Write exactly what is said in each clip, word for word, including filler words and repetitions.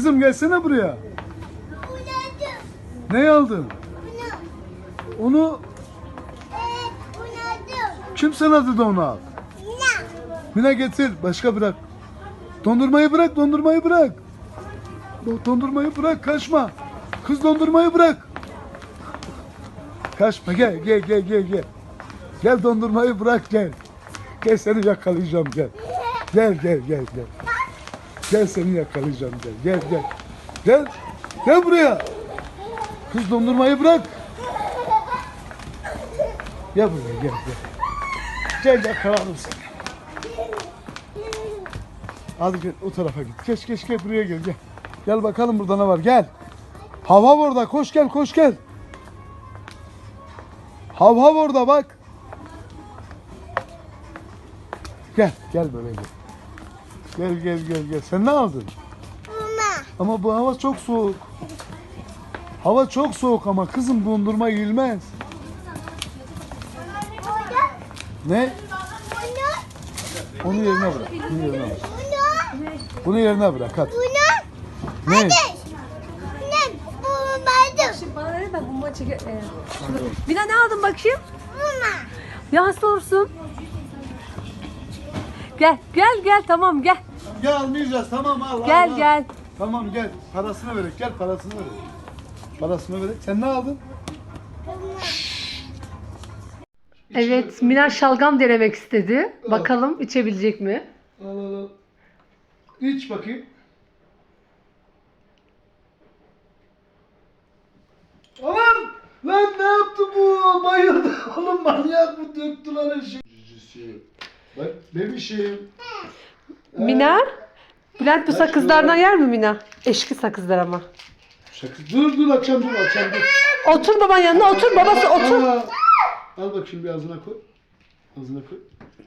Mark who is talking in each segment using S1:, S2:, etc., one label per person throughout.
S1: kızım gelsene buraya. Ne aldın? Onu kim sana dedi onu al? Mina getir. Başka bırak. Dondurmayı bırak. Dondurmayı bırak. Dondurmayı bırak. Kaçma. Kız dondurmayı bırak. Kaçma. Gel gel gel gel gel. Gel dondurmayı bırak gel. Gel seni yakalayacağım gel. Gel gel gel gel. Gel seni yakalayacağım gel. Gel gel. Gel. Gel buraya. Kız dondurmayı bırak. Gel buraya gel gel. Gel yakaladım seni. Hadi gel o tarafa git. Geç geç gel buraya gel gel. Gel bakalım burada ne var gel. Hav hav orada koş gel koş gel. Hav hav orada bak. Gel gel böyle gel. Gel gel gel gel. Sen ne aldın? Mama. Ama bu hava çok soğuk. Hava çok soğuk ama kızım dondurma yiyilmez. Ne? Onu yerine bırak. Bunu yerine bırak. Bunu yerine bırak hadi.
S2: Bunu?
S1: Ne?
S2: Hadi. Ne? Bu baydım.
S3: Şimdi bana ne ben bunu çeke... Ee, Mina ne aldın bakayım?
S2: Mama.
S3: Ya hasta olursun. Gel gel gel tamam gel.
S1: Gel almayacağız tamam al.
S3: Gel
S1: al, al.
S3: gel.
S1: Tamam gel. Parasını verek gel parasını verek. Parasını verek. Sen ne aldın?
S3: Evet Mina şalgam denemek istedi. Bakalım içebilecek mi?
S1: Al al al. İç bakayım. Aman! Lan ne yaptı bu? Bayıldı. Oğlum manyak mı döktü lan eşi? Cicisi. Bak bebişim.
S3: Mina? Bülent bu sakızlardan yer mi Mina? Eşki sakızlar ama.
S1: Şaka. Dur dur akşam dur akşam dur.
S3: Otur baban yanına otur babası otur.
S1: Al, al bakayım bir ağzına koy. Ağzına koy.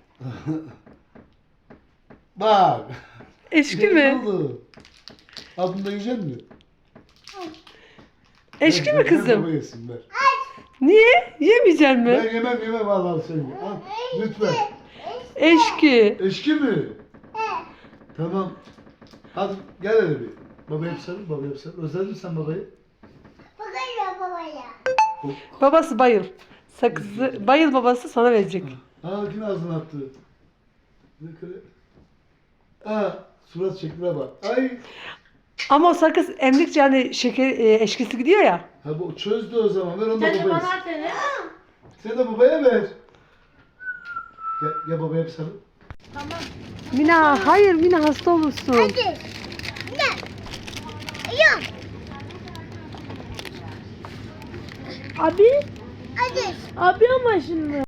S1: Bak.
S3: Eşki
S1: Ne
S3: mi?
S1: oldu? Al bunu da yiyecek misin?
S3: Eşki
S1: Ver,
S3: mi
S1: ver,
S3: kızım?
S1: baba yesin, ver.
S3: Niye? Yemeyecek mi?
S1: Ben yemem yemem al al sen ye. Al lütfen.
S3: Eşki.
S1: Eşki mi? Tamam. Hadi gel hele bir. Baba hep sarıl, baba hep sarıl. Özledin mi sen babayı?
S2: Bakayım babaya.
S3: Babası bayıl. Sakızı bayıl babası sana verecek.
S1: Aa yine ağzına attı. Ne kere? Aa surat şekline bak. Ay.
S3: Ama o sakız emdikçe hani şeker e, eşkisi gidiyor ya.
S1: Ha bu çözdü o zaman. Ver onu da
S4: Sen de
S1: babaya.
S4: bana at hele.
S1: Sen de babaya ver. Gel, gel babaya hep sarıl.
S3: Mina hayır Mina hasta olursun.
S2: Hadi. Ne? Yok.
S4: Abi,
S2: Hadi.
S4: abi ama şimdi.